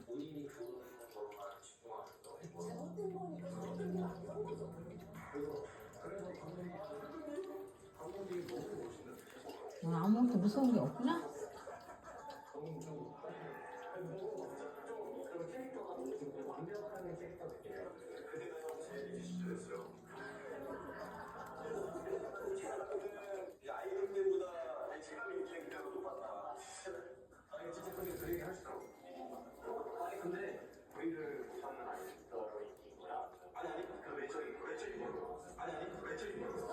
본인이 그거만 집중하는 거. 잘못된 거니까 잘못된 게 아니란 거죠. 그래서 감독님이 너무 멋있는. 아무것도 무서운 게 없구나? 그런 캐릭터가 좀 완벽한 캐릭터 느낌이에요. 그때가 제일 시절이었어요. 이 아이돌 때보다 제가 민기의 기대가 높았다. 아니 진짜 근데 그 얘기 하시더라고. 아니 근데 우리를 못하는 아이돌이구나. 아니 그 외적인 걸로. 아니 그 외적인 걸로.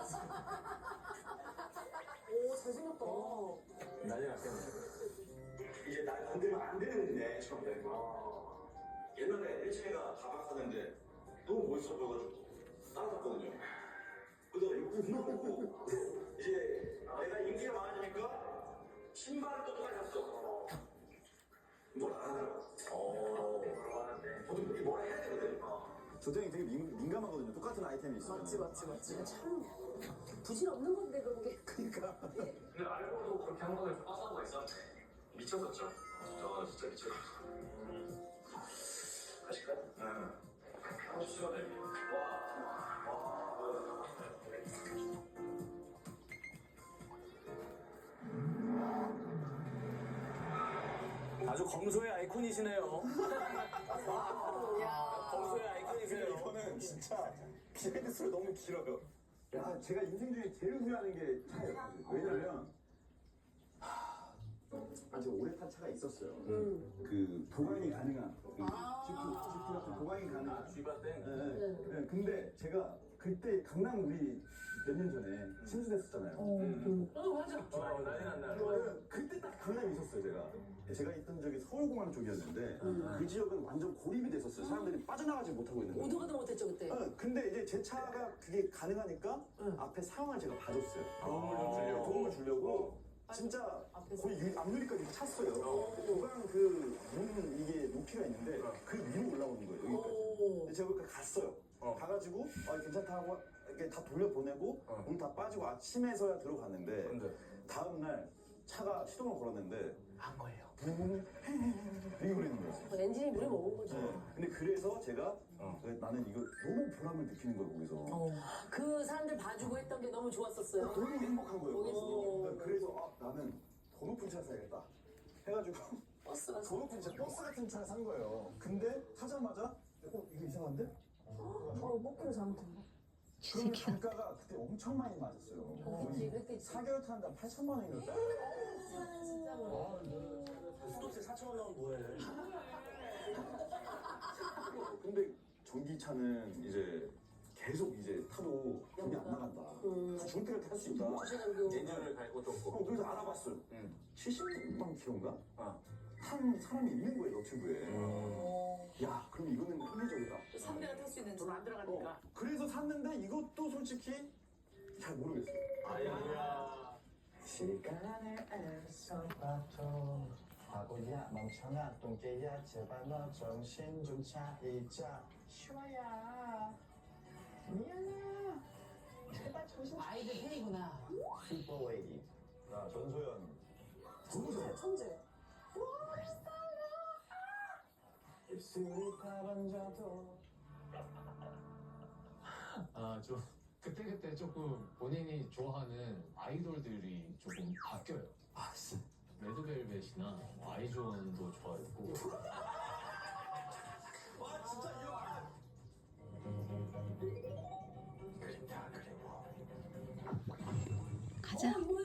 오, 잘생겼다. 난리 났겠네. 이제 날 건들면 안 되는데 처음 된 거. 옛날에 1층에가 가봤었는데 너무 멋있어 보여가지고 따라갔거든요. 그래서 이거 보고 이제 내가 인기가 많아지니까 신발을 또 똑같이 샀어. 뭘 안 하더라고. 보통 이렇게 뭐라 해야 되거든. 조정이 되게 민감하거든요. 똑같은 아이템이 있어요. 맞지. 참 부질없는 건데 그런 게. 그러니까. 근데 알고도 그렇게 한 번에 빠져가 있었는데 미쳤었죠. 저 진짜 미쳤어. 하실까요? 네. 시원해. 아주 검소의 아이콘이시네요. 야. 검소의 아이콘이세요. 이거는 진짜 비하인드 스토리 너무 길어요. 야, 제가 인생 중에 제일 후회하는 게 차예요. 왜냐면 아주 오래 탄 차가 있었어요. 그 보강이 가능한 지프 같은 보강이 가능한 쥐바 땡. 네. 근데 제가 그때 강남 우리 몇 년 전에 침수됐었잖아요. 맞아. 난리 났나. 그때 딱 강남에 있었어요, 제가 있던 적이 서울공항 쪽이었는데 그 지역은 완전 고립이 됐었어요. 사람들이 빠져나가지 못하고 있는 거예요. 오도 가도 못했죠 그때. 근데 이제 제 차가 그게 가능하니까 앞에 상황을 제가 봐줬어요. 도움을 주려고 진짜 앞에서. 거의 앞유리까지 찼어요. 보강 그 문 이게 높이가 있는데 그 위로 올라오는 거예요, 여기까지. 근데 제가 거기까지 갔어요. 가가지고 괜찮다 하고 이렇게 다 돌려보내고 문 다 빠지고 아침에서야 들어갔는데 근데 다음날 차가 시동을 걸었는데 안 걸려. 붕 이게 걸리는 거였어요. 엔진이 물에 먹은 거죠. 네. 근데 그래서 제가 나는 이거 너무 보람을 느끼는 거예요, 거기서. 그 사람들 봐주고 했던 게 너무 좋았었어요. 너무 행복한 거예요. 오. 그래서 나는 더 높은 차 사야겠다 해가지고 버스가 더 높은 차, 버스 같은 차를 산 거예요. 근데 사자마자 이거 이상한데? 뽑기를 잘못한 거. 그럼 단가가 그때 엄청 많이 맞았어요. 그치, 그랬겠지. 4개월 타는데 8천만 원이었어요. 진짜로. 수도세 4,000원 나오면 뭐해? 근데 전기차는 이제 계속 이제 타도 돈이 안 나간다. 다 중대를 탈 수 있다. 예전을 갈고 좀 그래서 알아봤어요. 70만 킬로인가? 탄 사람이 있는 거예요, 너튜브에. 야, 그럼 이거는 합리적이다. 3대가 탈 수 있는 돈 안 들어가니까. 그래서 샀는데 이것도 솔직히 잘 모르겠어요. 아야. 시간을 애써 봐도 바보야 멍청아 똥개야 제발 너 정신 좀 차리자 슈아야 미안해 제발 정신 아이들 팬이구나. 슈퍼웨이 전소연 천재. 입술이 다 번져도 좀 그때그때 조금 본인이 좋아하는 아이돌들이 조금 바뀌어요. 레드벨벳이나 아이존도 좋아했고. 와, 진짜 이거 가자.